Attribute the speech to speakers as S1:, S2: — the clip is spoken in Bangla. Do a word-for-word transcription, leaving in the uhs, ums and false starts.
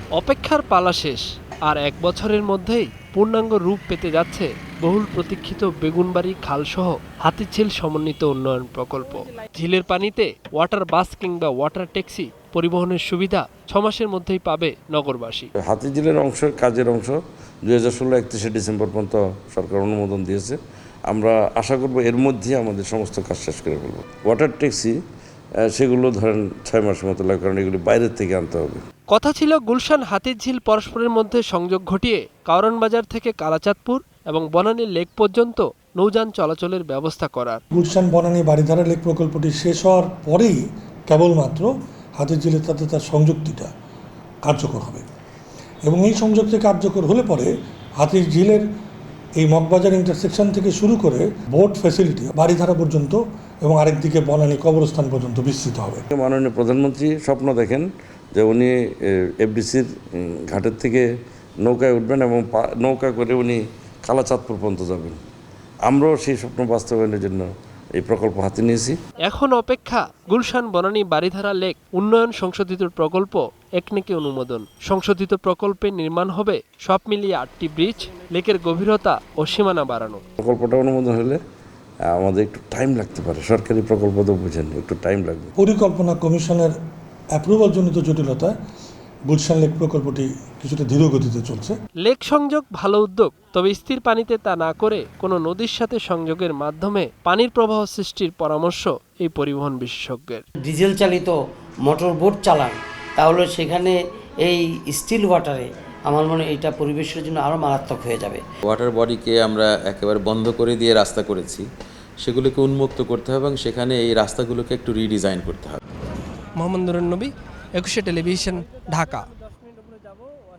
S1: অপেক্ষার পালা শেষ, আর এক বছরের মধ্যেই পূর্ণাঙ্গ রূপ পেতে যাচ্ছে বহুল প্রতীক্ষিত বেগুনবাড়ি খালসহ হাতিঝিল সমন্বিত উন্নয়ন প্রকল্প। ঝিলের পানিতে ওয়াটার বাস কিংবা ওয়াটার ট্যাক্সি পরিবহনের সুবিধা ছমাসের মধ্যেই পাবে নগরবাসী।
S2: হাতিঝিলের অংশ কাজের অংশ দুই হাজার ষোলো একত্রিশে ডিসেম্বর পর্যন্ত সরকার অনুমোদন দিয়েছে। আমরা আশা করব এর মধ্যে আমাদের সমস্ত কাজ শেষ করে ফেলব। ওয়াটার ট্যাক্সি সেগুলো ধরেন ছয় মাসের মতো লাগে, কারণ এগুলি বাইরের থেকে আনতে হবে।
S1: কথা ছিল গুলশান হাতিঝিল পরস্পরের মধ্যে সংযোগ ঘটিয়ে কারওয়ান বাজার থেকে কালাচাঁদপুর এবং বনানী লেক পর্যন্ত নৌযান চলাচলের ব্যবস্থা করার।
S3: গুলশান বনানী বারিধারা লেক প্রকল্পটি শেষ হওয়ার পরেই কেবলমাত্র হাতিঝিলের সাথে তার সংযুক্তিটা কার্যকর হবে, এবং এই সংযোগটি কার্যকর হলে পরে হাতিঝিলের এই মগবাজার ইন্টারসেকশন থেকে শুরু করে বোট ফ্যাসিলিটি বারিধারা পর্যন্ত এবং আরেকদিকে বনানী কবরস্থান পর্যন্ত বিস্তৃত হবে।
S2: মাননীয় প্রধানমন্ত্রী স্বপ্ন দেখেন যে উনি এফডিসির ঘাটের থেকে নৌকায় উঠবেন এবং নৌকা করে উনি কালাচাঁদপুর পর্যন্ত যাবেন। আমরাও সেই স্বপ্ন বাস্তবায়নের জন্য এই প্রকল্প হাতে নিয়েছি।
S1: এখন অপেক্ষা গুলশান বনানী বারিধারা লেক উন্নয়ন সংশোধিত প্রকল্প একনেকে অনুমোদন। সংশোধিত প্রকল্পে নির্মাণ হবে সব মিলিয়ে আটটি ব্রিজ, লেকের গভীরতা ও সীমানা বাড়ানো।
S2: প্রকল্পটা অনুমোদন হলে আমাদের একটু টাইম লাগতে পারে, সরকারি প্রকল্প তো বুঝেন, একটু টাইম লাগবে।
S3: পরিকল্পনা কমিশনের অ্যাপ্রুভালজনিত জটিলতায় গুলশান লেক প্রকল্পটি কিছুটা ধীর গতিতে চলছে।
S1: লেক সংযোগ ভালো উদ্যোগ, তবে স্থির পানিতে তা না করে কোনো নদীর সাথে সংযোগের মাধ্যমে পানির প্রবাহ সৃষ্টির পরামর্শ এই পরিবহন বিশেষজ্ঞের।
S4: ডিজেল চালিত মোটর বোট চালান, তাহলে সেখানে এই স্টিল ওয়াটারে আমার মনে হয় এটা পরিবেশের জন্য আরও মারাত্মক হয়ে যাবে।
S5: ওয়াটার বডিকে আমরা একেবারে বন্ধ করে দিয়ে রাস্তা করেছি, সেগুলোকে উন্মুক্ত করতে হবে এবং সেখানে এই রাস্তাগুলোকে একটু রিডিজাইন করতে হবে।
S6: মোহাম্মদ নুরুন নবী, একুশে টেলিভিশন, ঢাকা।